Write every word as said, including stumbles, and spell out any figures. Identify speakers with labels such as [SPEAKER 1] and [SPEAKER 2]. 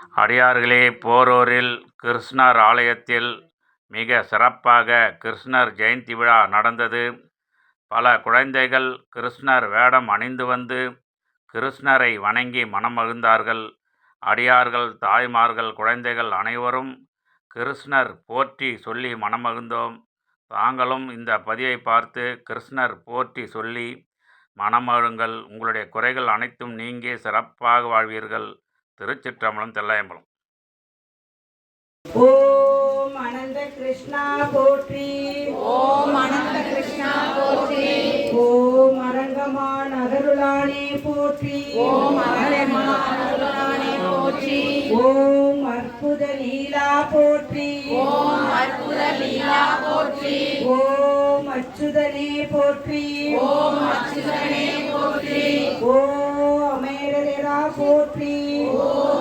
[SPEAKER 1] அடியார்களே, போரூரில் கிருஷ்ணர் ஆலயத்தில் மிக சிறப்பாக கிருஷ்ணர் ஜெயந்தி விழா நடந்தது. பல குழந்தைகள் கிருஷ்ணர் வேடம் அணிந்து வந்து கிருஷ்ணரை வணங்கி மனமகிழ்ந்தார்கள். அடியார்கள், தாய்மார்கள், குழந்தைகள் அனைவரும் கிருஷ்ணர் போற்றி சொல்லி மனமகிழ்ந்தோம். தாங்களும் இந்த பதிவை பார்த்து கிருஷ்ணர் போற்றி சொல்லி மனமகிழுங்கள். உங்களுடைய குறைகள் அனைத்தும் நீங்கி சிறப்பாக வாழ்வீர்கள். திருச்சிற்றம்பலம், தில்லையம்பலம்.
[SPEAKER 2] ஓம் அனந்த கிருஷ்ணா போற்றி.
[SPEAKER 3] ஓம் அனந்த கிருஷ்ணா போற்றி.
[SPEAKER 2] ஓம் அரங்கமான் அருளானே போற்றி.
[SPEAKER 3] ஓம் அரங்கமான் அருளானே போற்றி.
[SPEAKER 2] ஓம் அற்புத லீலா போற்றி.
[SPEAKER 3] ஓம் அற்புத லீலா போற்றி.
[SPEAKER 2] ஓம் அச்சுதனே போற்றி.
[SPEAKER 3] ஓம் அச்சுதனே போற்றி.
[SPEAKER 2] ஓம் அமேரரா போற்றி.
[SPEAKER 3] ஓம்